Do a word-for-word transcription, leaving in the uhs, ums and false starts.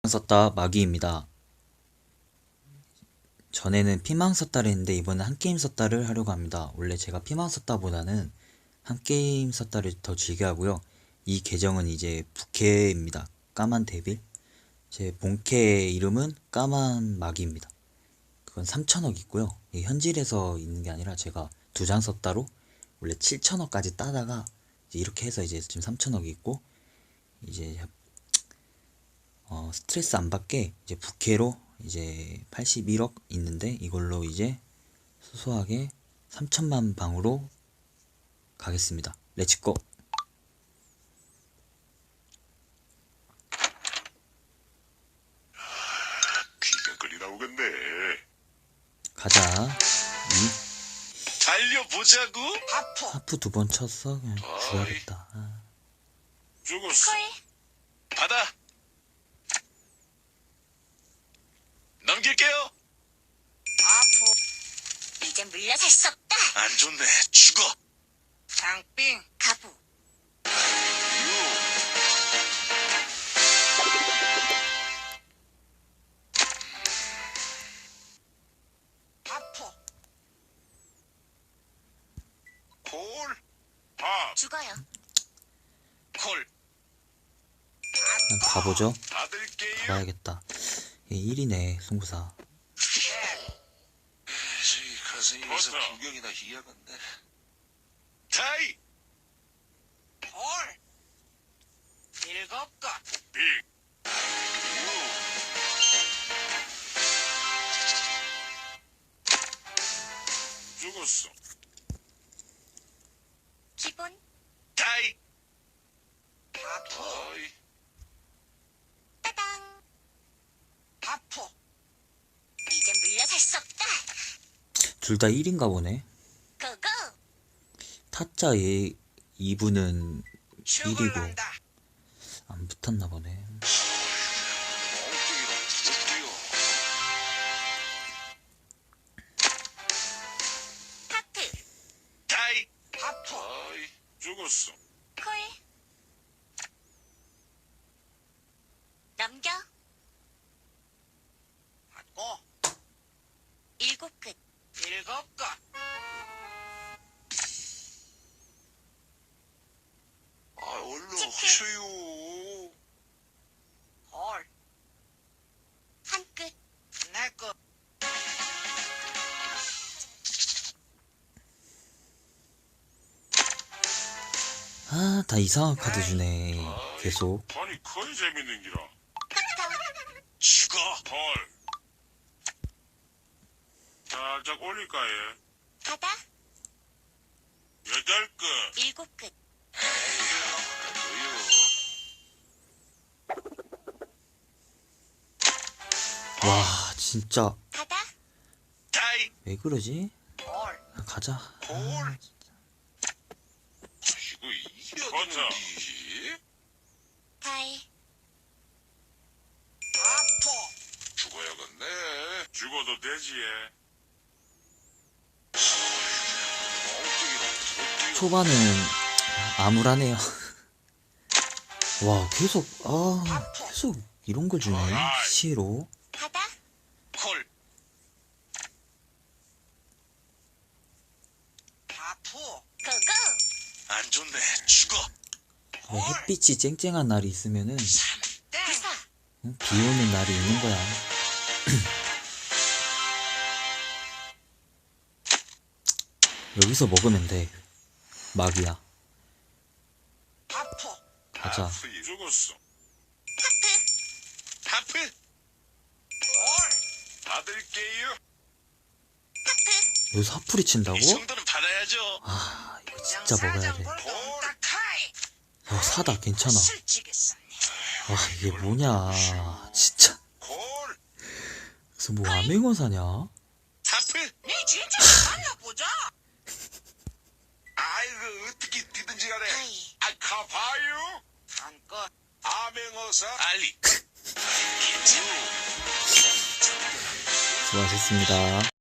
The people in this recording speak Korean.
썼다 마기입니다. 전에는 피망 썼다를 했는데 이번엔 한 게임 썼다를 하려고 합니다. 원래 제가 피망 썼다보다는 한 게임 썼다를 더 즐겨 하고요. 이 계정은 이제 부캐입니다. 까만 데빌. 제 본캐 이름은 까만 마기입니다. 그건 삼천억 있고요. 현질에서 있는 게 아니라 제가 두 장 썼다로 원래 칠천억까지 따다가 이제 이렇게 해서 이제 지금 삼천억이 있고, 이제 어, 스트레스 안 받게 이제 부캐로 이제 팔십일억 있는데 이걸로 이제 소소하게 삼천만 방으로 가겠습니다. 렛츠고. 귀가 끌이 나오겠네. 가자. 이 달려보자고. 아퍼. 하프 두 번 쳤어. 그냥 죽어야겠다. 아. 죽었어. 콜. 받아. 넘길게요. 아퍼. 이제 물러설 수 없다. 안 좋네. 죽어. 장빙. 가부. 유. 아퍼. 콜. 밥. 죽어요. 콜. 그냥 가보죠. 받을게요. 가봐야겠다. 일이네 송구사. 에이, 가슴에서 구경이나 희야간데. 타이. 콜. 일곱 것. 빅. 유. 죽었어. 기본. 타이. 아퍼. 어이. 따당. 아퍼. 이제 물러설 수 없다. 둘 다 일인가 보네. 고고. 타짜 얘 이 부는 일이고 죽을란다. 안 붙었나 보네. 하프. 타이. 아퍼. 어이. 죽었어. 콜. 넘겨. 받고. 일곱 끝. 일곱 것. 아, 얼른 치킨. 하셔요. 콜. 한 끝. 내 끝. 아, 다 이상한 카드 주네. 계속. 아니, 거의 재밌는 기라. 탁탁. 죽어. 헐. 살짝 올릴까, 예? 바다. 여덟 끝. 일곱 끝. 와, 진짜 바다. 타이. 왜 그러지? 콜. 아, 가자. 콜. 이거 이겨야지. 타이. 아포. 죽어야겠네. 죽어도 되지, 예. 초반은 암울하네요. 와, 계속 아 계속 이런 걸 주네. 시로. 바다. 콜. 아포. 고고. 안 좋네. 죽어. 왜 햇빛이 쨍쨍한 날이 있으면은 부사. 응? 비 오는 날이 있는 거야. 여기서 먹으면 돼. 막이야. 아포. 가자. 하프 죽었어. 하프. 하프. 콜. 받을게요. 여기서 하풀이 친다고? 이 정도는 받아야죠. 아, 이거 진짜 먹어야 돼. 딱하이. 어, 사다 괜찮아. 술찌겠었네. 와, 이게 뭐냐. 진짜. 콜. 그래서 뭐 암행어 사냐? 하프. 네 진짜 만나보자. 아이고, 어떻게 뛰든지 간에. 타이. 아, 가봐요. 한껏. 암행어사. 알리. 수고하셨습니다.